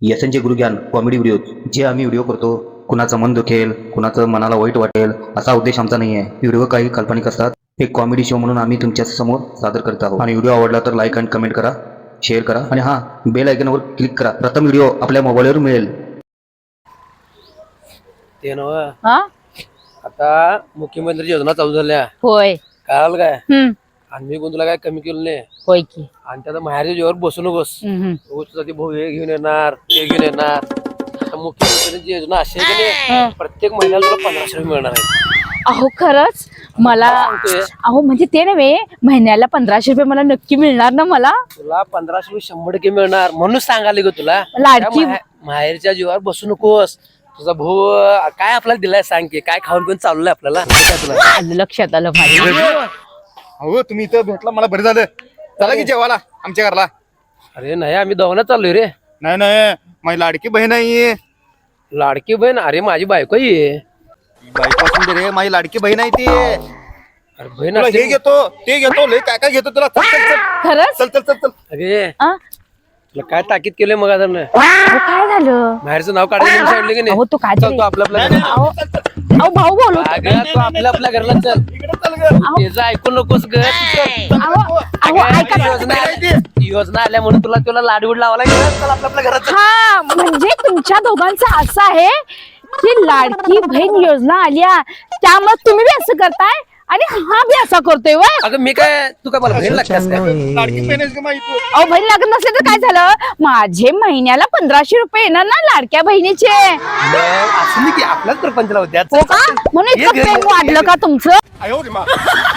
यशनचे गुरुज्ञान comedy video जे आम्ही video करतो, कुणाचं मन दुखेल, कुणाचं मनाला वाईट वाटेल असा उद्देश आमचा नाही आहे. व्हिडिओ काही काल्पनिक असतात. एक कॉमेडी शो म्हणून आम्ही तुमच्या समोर सादर करत आहोत. आणि व्हिडिओ आवडला तर लाईक आणि कमेंट करा, शेअर करा आणि हां, बेल आयकॉनवर क्लिक करा. प्रथम व्हिडिओ आपल्या मोबाईलवर मिळेल. ते नव्ह आता मुख्यमंत्री योजना चालू झाल्या होय. कळाल काय? हम्म. आणि मी कोण तुला काय कमी केलं नाही. होय की. आणि त्याला माहेरच्या जीवावर बसू नकोस. तुझा ते भाऊ हे घेऊन येणार, ते घेऊन येणार. आता मुख्यमंत्र्यांची योजना अशी आहे की नाही, प्रत्येक महिन्याला तुला 1500 रुपये मिळणार आहे. अहो खरंच मला सांगतोय. अहो म्हणजे ते नव्हे, महिन्याला 1500 रुपये मला नक्की मिळणार ना? मला तुला 1500 रुपये 100% मिळणार म्हणून सांगाले ग तुला. लाडकी त्या माहेरच्या जीवावर बसू नकोस. तुझा भाऊ काय आपल्याला दिलाय सांग की, काय खाऊन पण चाललंय आपल्याला काय तुला? आलं लक्षात आलं माझ्या. हो तुम्ही इथं भेटला मला बरं झालं. चला की जेवायला आमच्या घरला. अरे नाही, आम्ही दोघांना चाललोय रे. नाही नाही, माझी लाडकी बहीण आहे. लाडकी बहीण? अरे माझी बायको आहे. बायको असून दे रे, माझी लाडकी बहीण आहे ती. अरे बहीण तुला असते. हे घेतो ते घेतो, लय काय काय घेतो तुला. चल चल चल खरंच? चल चल चल चल. अरे आ? तुला काय ताकीद केलंय मग आता? अहो, काय झालं? बाहेरचं नाव काढायचं सांगितलं की अहो नाही? तो काय चल तरी- तू आपल्या अहो अहो, भाऊ बोलू. अगं तू आपल्या घरला चल. इकडे चल ग. त्याचं ऐकू नकोस ग. अहो अहो ऐका ना. योजना आल्या म्हणून तुला लाडूड लावायला गेलं. चल आपल्या घरात चल. हा म्हणजे तुमच्या दोघांचं असं आहे की लाडकी बहीण योजना आल्या त्यामुळे तुम्ही बी असं करताय आणि हा बी असा करतोय. वय अगं मी काय, तू काय मला बहीण लागतेस काय? लाडकी बहीण आहेस ग माझी तू. अहो बहीण लागत नसले तर काय झालं? माझे महिन्याला 1500 रुपये येणार ना लाडक्या बहिणीचे. मग असं नाही की आपल्याच प्रपंचला होत्या. हो का? म्हणून इतकं प्रेम वाढलं का तुमचं? आयो रे मा.